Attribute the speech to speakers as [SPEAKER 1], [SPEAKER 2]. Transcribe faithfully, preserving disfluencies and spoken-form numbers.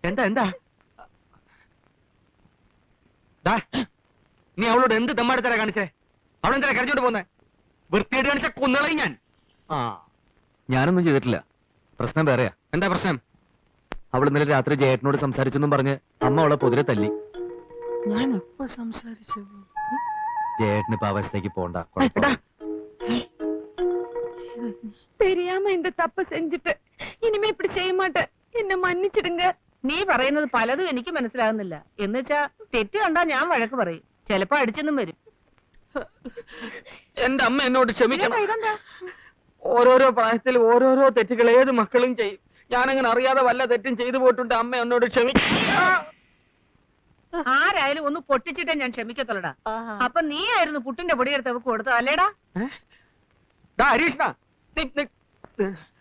[SPEAKER 1] എന്താ എന്താ നീ അവളോട് എന്ത് ദമ്മാടുത്തരാ കാണിച്ചേ? അവളെന്താ കരഞ്ഞോണ്ട് പോന്നെ? വൃത്തിയായിട്ട് കാണിച്ച കൊന്നുകളയും ഞാൻ.
[SPEAKER 2] ആ ഞാനൊന്നും ചെയ്തിട്ടില്ല. പ്രശ്നം വേറെയാ.
[SPEAKER 1] എന്താ പ്രശ്നം?
[SPEAKER 2] അവൾ ഇന്നലെ രാത്രി ജയേട്ടനോട് സംസാരിച്ചെന്നും പറഞ്ഞ് അമ്മ അവളെ പൊതിരെ തല്ലി.
[SPEAKER 1] ഞാൻ എപ്പോ സംസാരിച്ചു?
[SPEAKER 2] ജയേട്ടന് ഇപ്പൊ അവസ്ഥയ്ക്ക് പോണ്ട.
[SPEAKER 3] தெரியாம இந்த தப்பு செஞ்சுட்டு இனிமே இப்படி செய்ய மாட்டேன். എന്നെ മன்னிച്ചിടുங்க.
[SPEAKER 4] നീ പറയുന്നത് പലതും എനിക്ക് മനസ്സിലാകുന്നില്ല. എന്നുവെച്ചാ തെറ്റ് കണ്ടാ ഞാൻ വഴക്ക് പറയും, ചിലപ്പോ അടിച്ചെന്നും വരും.
[SPEAKER 1] എന്റെ അമ്മ എന്നോട് ക്ഷമിക്കണം. ഓരോരോ പ്രായത്തിൽ ഓരോരോ തെറ്റുകൾ ഏത് മക്കളും ചെയ്യും. ഞാനങ്ങനെ അറിയാതെ വല്ല തെറ്റും ചെയ്തു പോയിട്ടുണ്ട്. അമ്മ എന്നോട് ക്ഷമിക്കണം.
[SPEAKER 4] ആരായാലും ഒന്ന് പൊട്ടിച്ചിട്ടേ ഞാൻ ക്ഷമിക്കത്തുള്ളടാ. അപ്പൊ നീ ആയിരുന്നു പുട്ടിന്റെ പൊടിയെടുത്ത് അവക്ക് കൊടുത്തത് അല്ലേടാ?
[SPEAKER 1] ഹരീഷ്ണ